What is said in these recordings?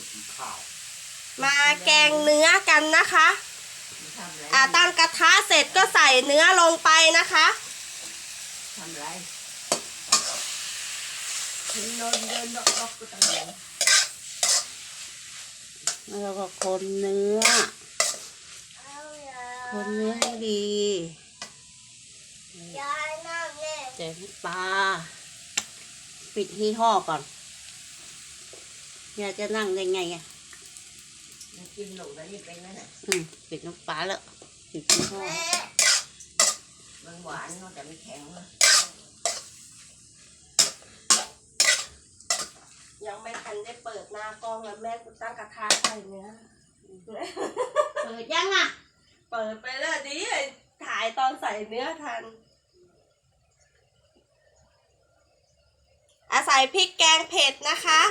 มาแกงเนื้อกันนะคะตั้งกระทะเสร็จก็ใส่เนื้อลงไปนะคะทำไรนอนเดินดอกก็ต้องเดินแล้วก็คนเนื้อให้ดีใส่น้ำปลาปิดที่ห่อก่อนอยากจะนั่งได้ไงอ่ะกินหนูแล้วนี่เป็นไหมน่ะปิดน้ำปลาแล้วปิดที่ห่อมันหวานแต่ไม่แข็งยังไม่ทันได้เปิดหน้ากล้องแล้วแม่กูตั้งกระทะใส่เนื้อเปิดยังอ่ะเปิดไปเลยดิถ่ายตอนใส่เนื้อทันใส่พริกแกงเผ็ดนะคะ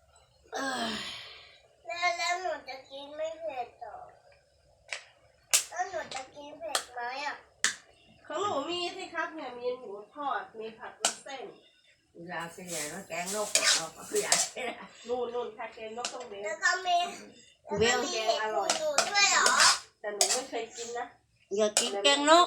แล้วหนูจะกินไม่เผ็ดต่อแล้วหนูจะกินเผ็ดไหมอ่ะของหนูมีสิครับเนี่ยมีหมูทอดมีผัดวุ้นเส้นอยากกินอย่างนั้นแกงนกเราก็อยากกินนู่นแค่แกงนกต้องเบลแล้วก็มีแกงอร่อยหนูด้วยเหรอแต่หนูไม่เคยกินนะอยากกินแกงนก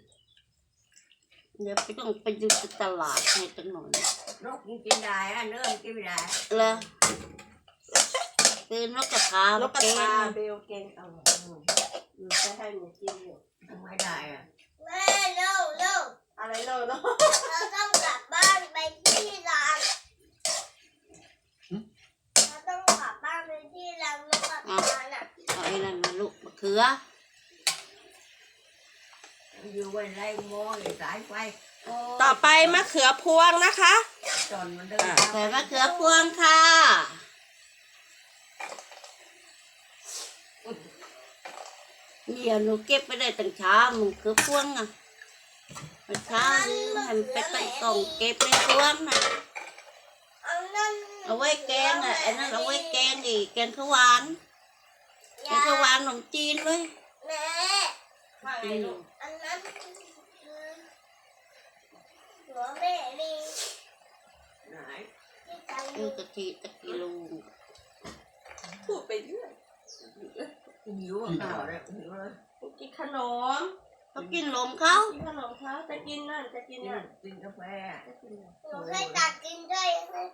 เดี๋ยวไปต้องไปดูตลาดให้ตั้งหน่อยนกกินได้เนื้อกินไม่ได้เลยคือนกกระทานกกระทาเบลเกงอร่อยจะให้หนูกินอยู่ทำไมได้อ่ะแม่เร็วอะไรเนาะเราต้องกลับบ้านไปที่ร้านเราต้องกลับบ้านไปที่ร้านนกกระทาน่ะเอาไอ้นั่นมาลูกมะเขืออยู่ไว้ไล่หม้อเลยสายไฟต่อไปมะเขือพวงนะคะจนมันเดินใส่มะเขือพวงค่ะนี่หนูเก็บไปได้ตั้งเช้ามะเขือพวงอ่ะเช้าให้มันไปใส่กล่องเก็บในพวงน่ะเอาไว้แกงอ่ะไอ้นั่นเอาไว้แกงอีกแกงข้าวหวานขนมจีนเลยแม่อันนั้นหัวแม่มีไหนกะทิตะกิโลพูดไปเรื่อยหิวข้าวเลยหิวเลยกินขนมเขากินลมเขากินขนมเขาจะกินนั่นจะกินนั่นกินกาแฟหนูให้ตักกินด้วย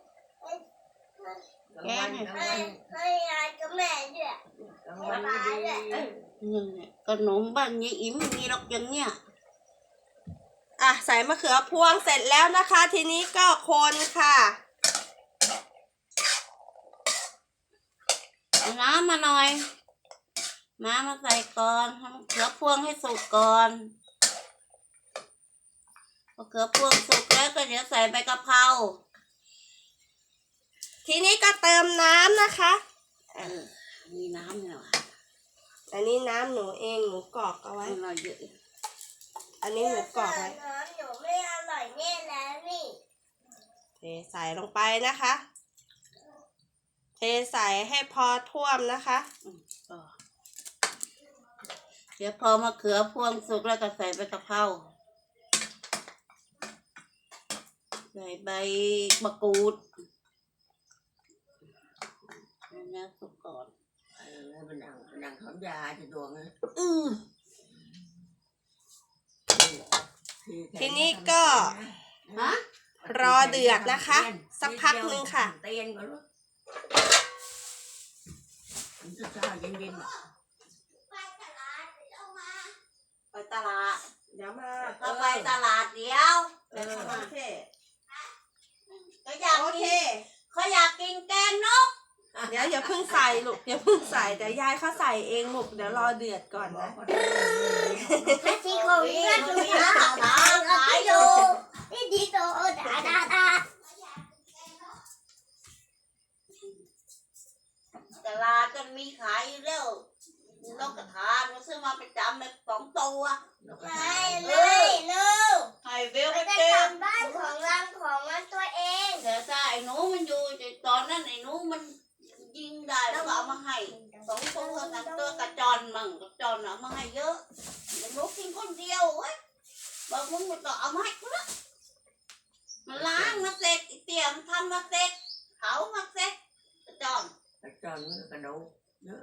ให้ยายกับแม่ด้วยป้าด้วยขนมบ้านยายอิ่มมีหรอกอย่างเนี้ยใส่มะเขือพวงเสร็จแล้วนะคะทีนี้ก็คนค่ะน้ำมาหน่อยน้ำมาใส่ก่อนทำมะเขือพวงให้สุกก่อนมะเขือพวงสุกแล้วก็เดี๋ยวใส่ใบกะเพราทีนี้ก็เติมน้ำนะคะมีน้ำเนี่ยอันนี้น้ำหนูเองหนูกรอกเอาไว้เราเยอะอันนี้หนูกรอกไว้น้ำหนูไม่อร่อยแน่แล้วนี่เทใส่ลงไปนะคะเทใส่ให้พอท่วมนะคะเดี๋ยวพอมะเขือพวงสุกแล้วก็ใส่ใบกะเพราใส่ใบมะกรูดนะสุกก่อนมันนั่งทำยาจะดวงนะทีนี้ก็รอเดือดนะคะสักพักนึงค่ะเตียนก่อนลูกมันจะช้าเย็นไปตลาดเดี๋ยวมาก็ไปตลาดเดี๋ยวโอเคเขาอยากกินแกงนกเดี๋ยวอย่าเพิ่งใส่ลูกอย่าเพิ่งใส่เดี๋ยวยายเขาใส่เองลูกเดี๋ยวรอเดือดก่อนนะที่เขาเรียกลูกค้าขายอยู่ที่ดีโตดาตลาดจะมีขายอยู่แล้วนกกระทาเราซื้อมาประจำเลย2 ตัวให้เบลไปเก็บบ้านของรังของมันตัวเองแต่ถ้าไอ้หนูมันอยู่ตอนนั้นไอ้หนูมันยิงได้แล้วก็เอามาให้2 ตัวนั่นตัวกระจรมั่งกระจรเอามาให้เยอะไอ้หนูกินคนเดียวเว้ยบอกมึงมันก็เอามาให้กูละมันล้างมาเสร็จเตรียมทำมาเสร็จเผามาเสร็จกระจรกระจอนมันกระดูกเยอะ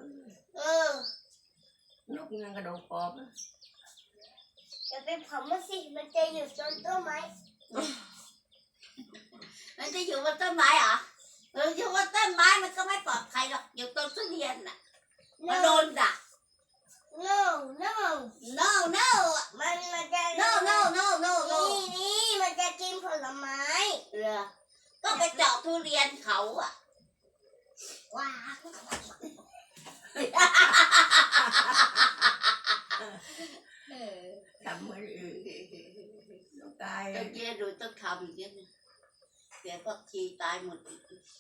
นกยังกระดูกกรอบนะจะไปเผามันสิมันจะอยู่ต้นต้นไม้มันจะอยู่บนต้นไม้เหรออยู่บนต้นไม้มันก็ไม่ปลอดภัยหรอกอยู่ต้นทุเรียนน่ะมันโดนดัก no no no no มันจะ no no no no no นี่มันจะกินผลไม้เรือก็ไปเจาะทุเรียนเขาอ่ะว้าทำเหมือนอื่นน้องกายตอนเย็นดูต้องทำอย่างนี้นะเสียผักชีตายหมดอีก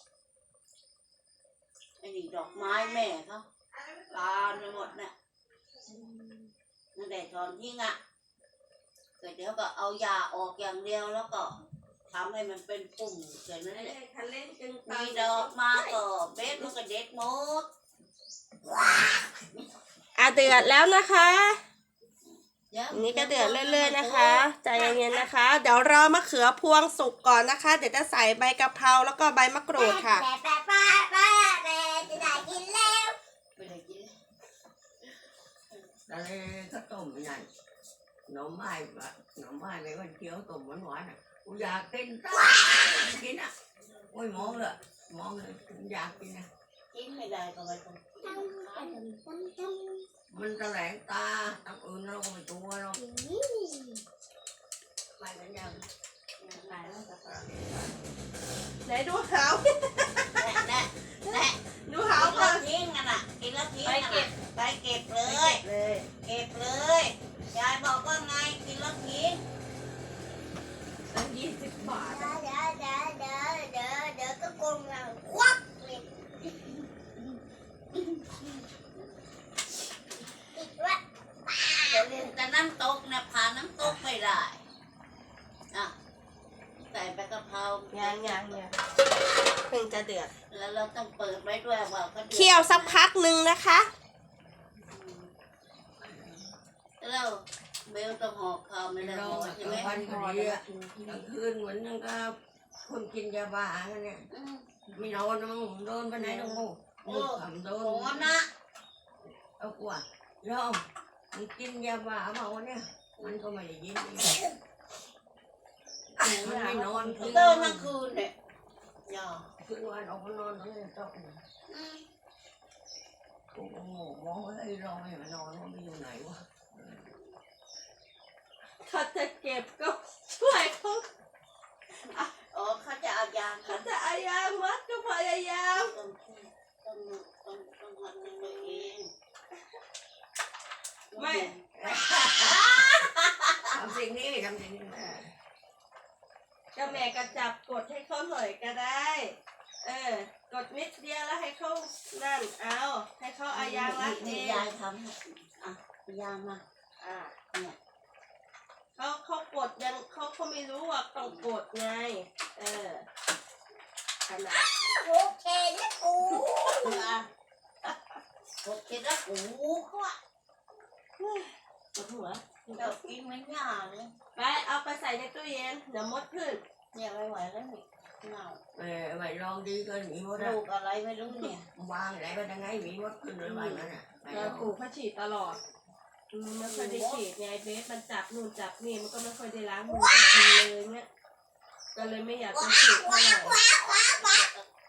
ไอ้นี่ดอกไม้แม่เขาตายไปหมดน่ะนั่นแหละตอนทิ้งอ่ะแต่เดี๋ยวก็เอายาออกอย่างเดียวแล้วก็ทำให้มันเป็นปุ่มแค่นั้นแหละคันเล่นจึงมีดอกมาก็เบ็ดมันก็เด็ดหมดเดือดแล้วนะคะดี๋ยวอันนี้ก็เดือดเรื่อยๆนะคะใจเย็นๆนะคะ เดี๋ยวรอมะเขือพวงสุกก่อนนะคะ เดี๋ยวจะใส่ใบกะเพราแล้วก็ใบมะกรูดค่ะแม่จะได้กินแล้วไม่ได้กินตอนนี้ก็ต้มอย่างหน่อไม้แบบหน่อไม้ไม่ว่าเคี้ยวต้มหวานๆอ่ะกูอยากกินกินอ่ะโอ้ยมองเลยอยากกินอ่ะกินไม่ได้ก็ไม่ต้องมันแถลงตาตั้งอื่นเราก็ไม่ตัวเราไปกันยังตายแล้วจะไหนดูหาวแน่ดูหาเอาวก่อนทิ้งกันอ่ะกินแล้วทิ้งไปกันเก็บไปเก็บเลยเลยเก็บเลยยายบอกว่าไงกินแล้วทิ้งตั้ง20 บาทเดี๋ยวก็โกงเราควักเลยอีกว่าแต่น้ำตกเนี่ยผ่านน้ำตกไม่ได้อ่ะใส่ใบกะเพรายังเพิ่งจะเดือดแล้วเราต้องเปิดไว้ด้วยว่าก็ดือดเคี่ยวสักพักหนึ่งนะคะแล้วเบลต้องห่อข้าวไม่ได้เราห่อใช่ไหมวันพอดีอ่ะกลางคืนเหมือนยังกับคนกินยาบ้ากันเนี่ยอืมมีนอนมั้งโดนไปไหนต้องงูทำโดโหนนะเอากว่าโยมมึงกินยาบ้าเมาเนี่ยมันก็ไม่ได้ยินมันไม่นอนคืนเดินทั้งคืนเนี่ยย่าคืนวันออกมานอนตรงนี้ต้องอืมกูก็งงมองว่าไอ้เราไม่มานอนว่ามันอยู่ไหนวะเขาจะเก็บก็ช่วยเขาอ๋อเขาจะเอายาเขาจะอายามมัดก็พยายามต้องหัดตัวเองไม่ทำสิ่งนี้ทำสิ่งนี้ก็แม่ก็จับกดให้เขาหน่อยก็ได้ กดนิดเดียวแล้วให้เขานั่นเอาให้เขาอายางรัดเองยายทำให้อ่ะยามาอ่าเนี่ยเขากดยังเขาไม่รู้ว่าต้องกดไงขนาดโอเคนะกูโอเคแล้วโอ้โหเขาอะปวดหัวเรากินไม่ยากเลยไปเอาไปใส่ในตู้เย็นเดี๋ยวมดขึ้นเนี่ยไม่ไหวแล้วนี่เน่าไม่ลองดีเกินมีมดลูกอะไรไม่รู้เนี่ยวางไหนไปยังไงมีมดขึ้นเลยไปนั่นน่ะเราปลูกเขาฉีดตลอดไม่ค่อยได้ฉีดไงเบสมันจับนู่นจับนี่มันก็ไม่ค่อยได้ล้างมือก็กินเลยเนี่ยก็เลยไม่อยากจะฉีดเท่าไหร่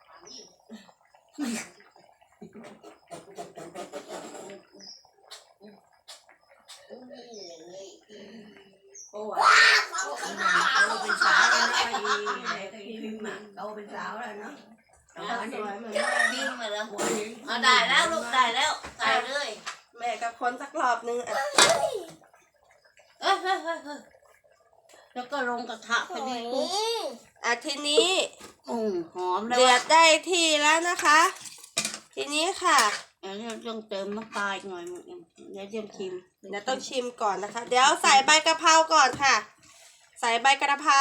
โอ้ยโตเป็นสาวแล้วนะอีพิมพ์โตเป็นสาวแล้วเนาะสวยเหมือนกินมาแล้วเอาได้แล้วลูกได้แล้วใส่เลยแม่กับคนสักรอบนึงอ่ะเฮ้ยแล้วก็ลงกระทะพอดีปุ๊บทีนี้หอมแล้วเดือดได้ที่แล้วนะคะ ทีนี้ค่ะเดี๋ยวต้องเติมน้ำปลาอีกหน่อยมึงเดี๋ยวเดี๋ยวชิมเดี๋ยวต้องชิมก่อนนะคะ เดี๋ยวใส่ใบกะเพราก่อนค่ะ ใส่ใบกะเพรา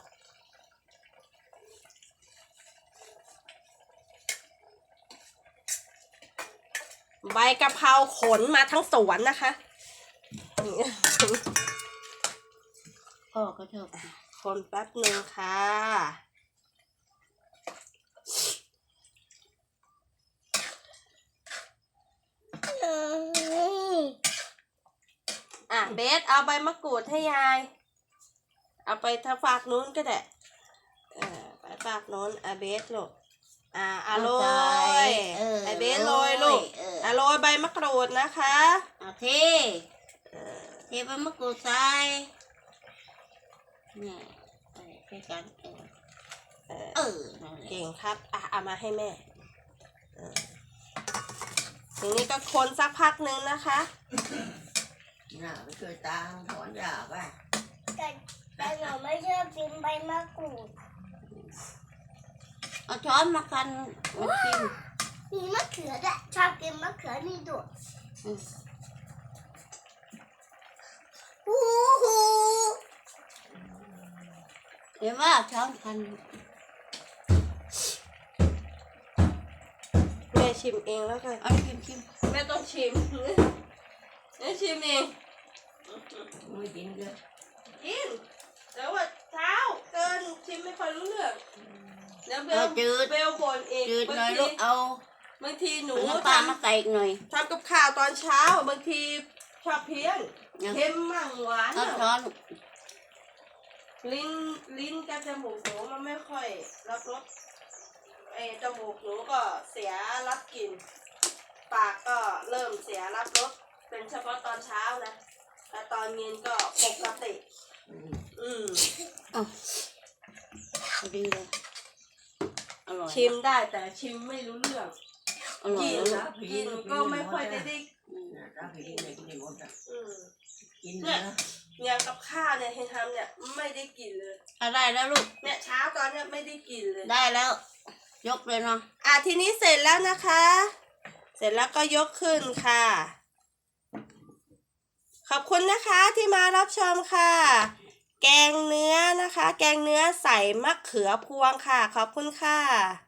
ใบกะเพราขนมาทั้งสวนนะคะพ่อก็ชอบคนแป๊บหนึ่งค่ะเบสเอาใบมะกรูดให้ยาย เอาไปทางฝากนู้นก็ได้ไปฝากนู้นเบสลูกโรยไอเบสโรยลูกโรยใบมะกรูดนะคะเอาเทใบมะกรูดใส่เนี่ยใส่กันนั่นแหละเก่งครับเอามาให้แม่ทีนี้ก็คนสักพักนึงนะคะน่ะไปช่วยตาถอนหญ้าไปแต่หนูไม่ชอบกินใบมะกรูดเอาช้อนมากันมากินมีมะเขือด้วยชอบกินมะเขือนี่ด้วยฮู้ฮู้เดี๋ยวว่าช้อนกันแม่ชิมเองแล้วกันเอาชิมแม่ต้องชิมแม่ชิมเองไม่กินเลยกินแต่ว่าเช้าเกินชิมไม่ค่อยรู้เรื่องแล้วเบลจืดเบลบ่นเองจืดหน่อยลูกเอาบางทีหนูน้ำปลามาใส่อีกหน่อยทำกับข้าวตอนเช้าบางทีชอบเพี้ยนเนี่ยเค็มมั่งหวานช้อนมั่งช้อนลิ้นกับจมูกหนูมันไม่ค่อยรับรสจมูกหนูก็เสียรับกลิ่นปากก็เริ่มเสียรับรสเป็นเฉพาะตอนเช้านะแต่ตอนเย็นก็ปกติดีเลยอร่อยชิมได้แต่ชิมไม่รู้เรื่องอร่อยกินแล้วกินก็ไม่ค่อยได้ตาผีเลยกินหมดอ่ะอืมกินเนื้ออย่างกับข้าวเนี่ยเฮนทำเนี่ยไม่ได้กินเลยได้แล้วลูกเนี่ยเช้าตอนเนี้ยไม่ได้กินเลยได้แล้ว ยกเลยเนาะทีนี้เสร็จแล้วนะคะ เสร็จแล้วก็ยกขึ้นค่ะ ขอบคุณนะคะที่มารับชมค่ะ แกงเนื้อนะคะ แกงเนื้อใส่มะเขือพวงค่ะ ขอบคุณค่ะ